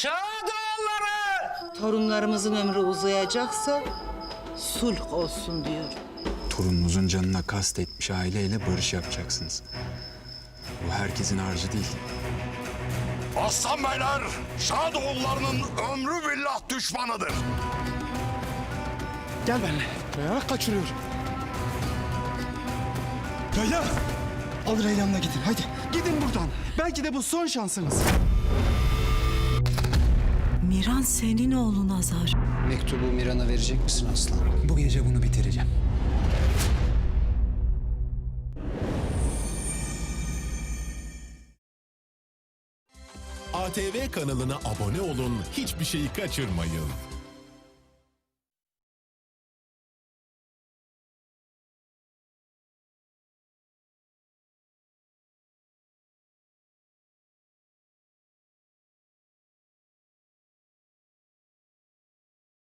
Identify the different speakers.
Speaker 1: Şadoğulları!
Speaker 2: Torunlarımızın ömrü uzayacaksa sulh olsun diyor.
Speaker 3: Torununuzun canına kastetmiş aileyle barış yapacaksınız. Bu herkesin harcı değil.
Speaker 4: Aslan beyler, Şadoğullarının ömrü billah düşmanıdır.
Speaker 5: Gel benimle. Ya kaçırıyor. Ya. Al Reyyan'la gidin hadi. Gidin buradan. Belki de bu son şansınız.
Speaker 6: Miran senin oğlun Azar.
Speaker 7: Mektubu Miran'a verecek misin Aslan?
Speaker 5: Bu gece bunu bitireceğim.
Speaker 8: ATV kanalına abone olun, hiçbir şeyi kaçırmayın.